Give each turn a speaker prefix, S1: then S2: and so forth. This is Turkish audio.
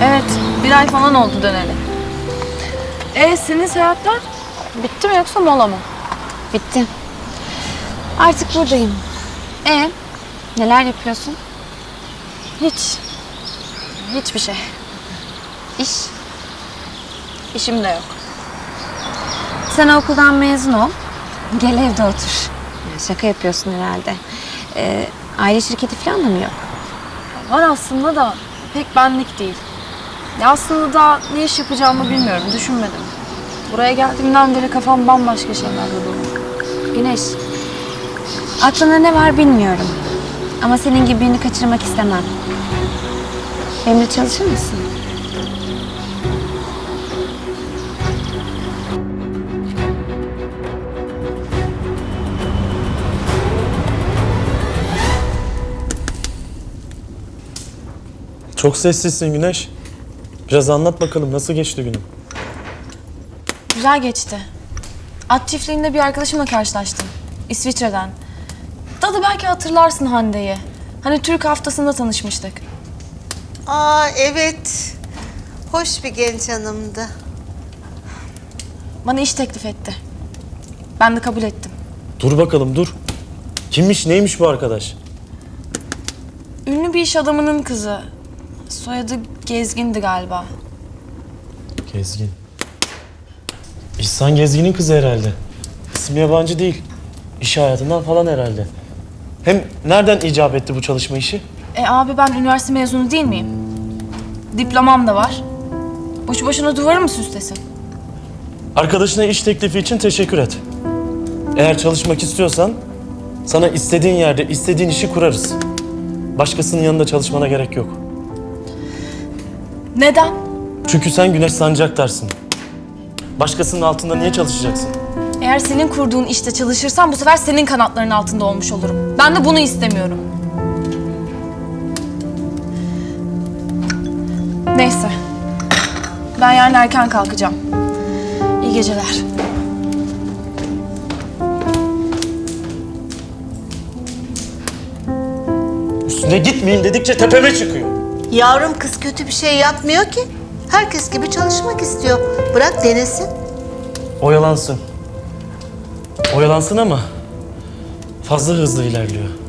S1: Evet, bir ay falan oldu döneli. Senin seyahatler bitti mi yoksa mola mı?
S2: Bitti. Artık buradayım. Neler yapıyorsun?
S1: Hiç. Hiçbir şey.
S2: İş.
S1: İşim de yok.
S2: Sen okuldan mezun ol. Gel evde otur. Ya şaka yapıyorsun herhalde. Aile şirketi falan da mı yok?
S1: Var aslında da pek benlik değil. Ya aslında daha ne iş yapacağımı bilmiyorum, düşünmedim. Buraya geldiğimden beri kafam bambaşka şeylerle dolu.
S2: Güneş. Aklında ne var bilmiyorum. Ama senin gibi birini kaçırmak istemem. Benimle çalışır mısın?
S3: Çok sessizsin Güneş. Biraz anlat bakalım nasıl geçti günün?
S1: Güzel geçti. At çiftliğinde bir arkadaşımla karşılaştım. İsviçre'den. Dadı belki hatırlarsın Hande'yi. Hani Türk haftasında tanışmıştık.
S4: Aa evet. Hoş bir genç hanımdı.
S1: Bana iş teklif etti. Ben de kabul ettim.
S3: Dur bakalım dur. Kimmiş neymiş bu arkadaş?
S1: Ünlü bir iş adamının kızı. Soyadı Gezgin'di galiba.
S3: Gezgin. İhsan Gezgin'in kızı herhalde. İsmi yabancı değil. İş hayatından falan herhalde. Hem nereden icap etti bu çalışma işi?
S1: Abi ben üniversite mezunu değil miyim? Diplomam da var. Boşu boşuna duvarı mı süslesin?
S3: Arkadaşına iş teklifi için teşekkür et. Eğer çalışmak istiyorsan sana istediğin yerde istediğin işi kurarız. Başkasının yanında çalışmana gerek yok.
S1: Neden?
S3: Çünkü sen Güneş Sancaktar'sın. Başkasının altında niye çalışacaksın?
S1: Eğer senin kurduğun işte çalışırsam bu sefer senin kanatlarının altında olmuş olurum. Ben de bunu istemiyorum. Neyse. Ben yarın erken kalkacağım. İyi geceler.
S3: Üstüne gitmeyin dedikçe tepeme çıkıyor.
S4: Yavrum kız kötü bir şey yapmıyor ki. Herkes gibi çalışmak istiyor. Bırak denesin.
S3: Oyalansın. Oyalansın ama fazla hızlı ilerliyor.